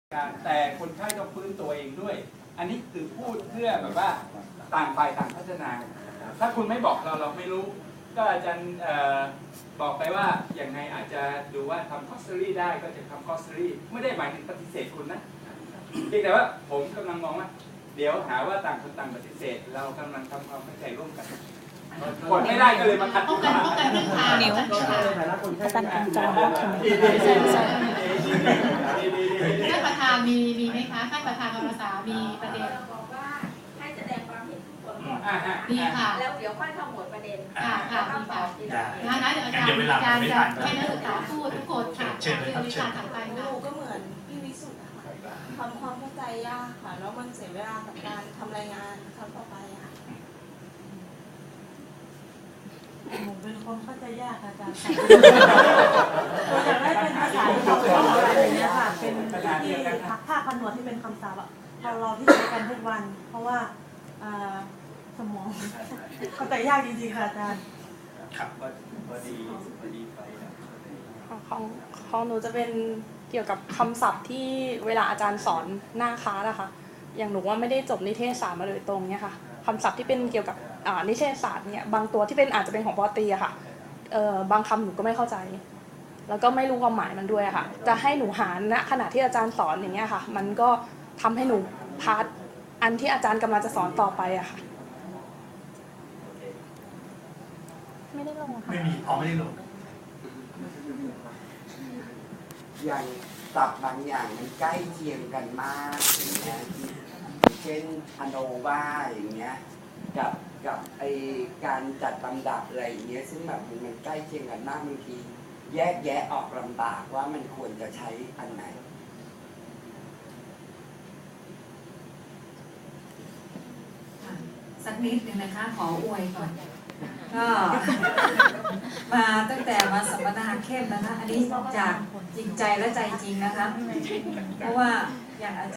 แต่คนไข้ต้องฟื้นตัวเองด้วยอันนี้คือพูดเพื่อแบบว่าต่างฝ่ายต่างพัฒนาถ้าคุณไม่บอกเราไม่รู้ก็อาจารย์บอกไปว่าอย่างไงอาจจะดูว่าทำคอสเตอรี่ได้ก็จะทำคอสเตอรี่ไม่ได้หมายถึงปฏิเสธคุณนะเพียงแต่ว่าผมกำลังมองว่าเดี๋ยวหาว่าต่างคนต่างปฏิเสธเรากำลังทำความเข้าใจร่วมกันกดไม่ได้ก็เลยมาคัดกันนิ้วตั้งกลางจอท่านประธานมีไหมคะท่านประธานกรรมศามีประเด็นบอกว่าให้แสดงความเห็นทุกคนดีค่ะแล้วเดี๋ยวค่อยขมวดประเด็นค่ะเดี๋ยวอาจารย์จะให้นักศึกษาพูดทุกคนค่ะคือวิชาถัดไปนะก็เหมือนพี่วิสุทธ์ค่ะทำความเข้าใจยากค่ะแล้วมันเสียเวลากับการทำรายงานครั้งต่อไปค่ะผมเป็นคนเข้าใจยากอาจารย์ตัวอย่างแรกเป็นภาษาอะไรอย่างเงี้ยค่ะเป็นที่ภาคผนวดที่เป็นคำศัพท์เราที่ใช้กันทุกวันเพราะว่าสมองเข้าใจยากจริงๆค่ะอาจารย์ครับพอดีไปของหนูจะเป็นเกี่ยวกับคำศัพท์ที่เวลาอาจารย์สอนหน้าคลาสอะค่ะอย่างหนูว่าไม่ได้จบนิเทศศาสตร์มาโดยตรงเนี่ยค่ะคำศัพท์ที่เป็นเกี่ยวกับนิเทศศาสตร์เนี่ยบางตัวที่เป็นอาจจะเป็นของปอตรีอะค่ะบางคำหนูก็ไม่เข้าใจแล้วก็ไม่รู้ความหมายมันด้วยอะค่ะจะให้หนูหาณขณะที่อาจารย์สอนอย่างเงี้ยค่ะมันก็ทำให้หนูพาร์ทอันที่อาจารย์กำลังจะสอนต่อไปอะค่ะไม่ได้ลงค่ะไม่ได้ลงอย่างศัพท์บางอย่างมันใกล้เคียงกันมากอย่างเงี้ยเช่นอโนวาอย่างเงี้ยกับไอการจัดลำดับอะไรอย่างเงี้ยซึ่งแบบมันใกล้เคียงกันมากบางทีแยกแยะออกลำบากว่ามันควรจะใช้อันไหนสักนิดนึงนะคะขออวยก่อนก็มาตั้งแต่มาสัมมนาเข้มนะคะอันนี้จากจริงใจและใจจริงนะคะเพราะว่าอย่าง